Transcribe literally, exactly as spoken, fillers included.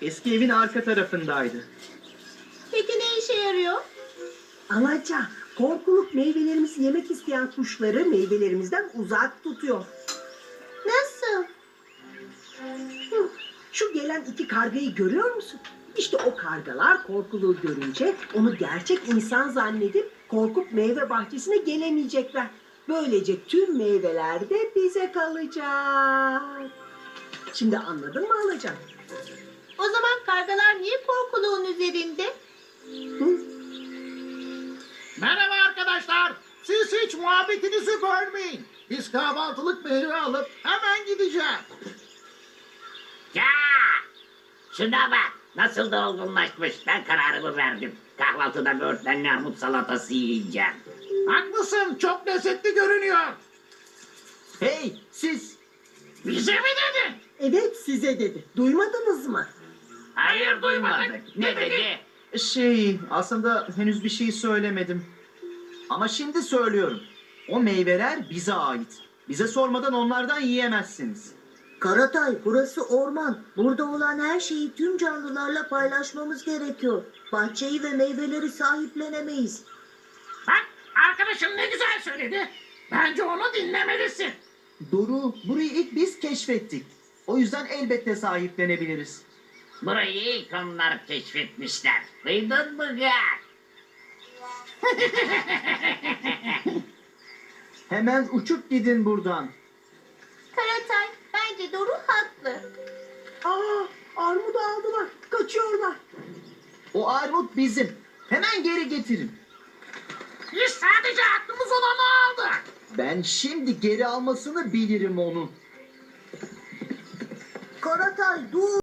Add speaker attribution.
Speaker 1: Eski evin arka tarafındaydı.
Speaker 2: Peki ne işe yarıyor?
Speaker 3: Alaca, korkuluk meyvelerimizi yemek isteyen kuşları meyvelerimizden uzak tutuyor.
Speaker 2: Nasıl?
Speaker 3: Hı, Şu gelen iki kargayı görüyor musun? İşte o kargalar korkuluğu görünce onu gerçek insan zannedip korkup meyve bahçesine gelemeyecekler. Böylece tüm meyveler de bize kalacak. Şimdi anladın mı Alaca?
Speaker 2: O zaman kargalar niye korkuluğun üzerinde?
Speaker 3: Hı?
Speaker 4: Merhaba arkadaşlar. Siz hiç muhabbetinizi bölmeyin. Biz kahvaltılık meyve alıp hemen gideceğiz.
Speaker 5: Ya! Şuna bak. Nasıl da olgunlaşmış. Ben kararımı verdim. Kahvaltıda böğürtlenli armut salatası yiyeceğim.
Speaker 4: Haklısın. Çok lezzetli görünüyor.
Speaker 1: Hey siz!
Speaker 4: Bize mi dedin?
Speaker 3: Evet size dedi. Duymadınız mı?
Speaker 5: Hayır duymadık. Ne dedi?
Speaker 1: Şey aslında henüz bir şey söylemedim. Ama şimdi söylüyorum. O meyveler bize ait. Bize sormadan onlardan yiyemezsiniz.
Speaker 6: Karatay, burası orman. Burada olan her şeyi tüm canlılarla paylaşmamız gerekiyor. Bahçeyi ve meyveleri sahiplenemeyiz.
Speaker 4: Bak arkadaşım ne güzel söyledi. Bence onu dinlemelisin.
Speaker 1: Doğru, burayı ilk biz keşfettik. O yüzden elbette sahiplenebiliriz.
Speaker 5: Burayı ilk onlar keşfetmişler. Duydun mu Gak?
Speaker 1: Hemen uçup gidin buradan.
Speaker 2: Karatay, bence Doru haklı.
Speaker 3: Aa, armudu aldılar. Kaçıyorlar.
Speaker 1: O armut bizim. Hemen geri getirin.
Speaker 4: Biz sadece aklımız olanı aldık.
Speaker 1: Ben şimdi geri almasını bilirim onu.
Speaker 6: Karatay, dur!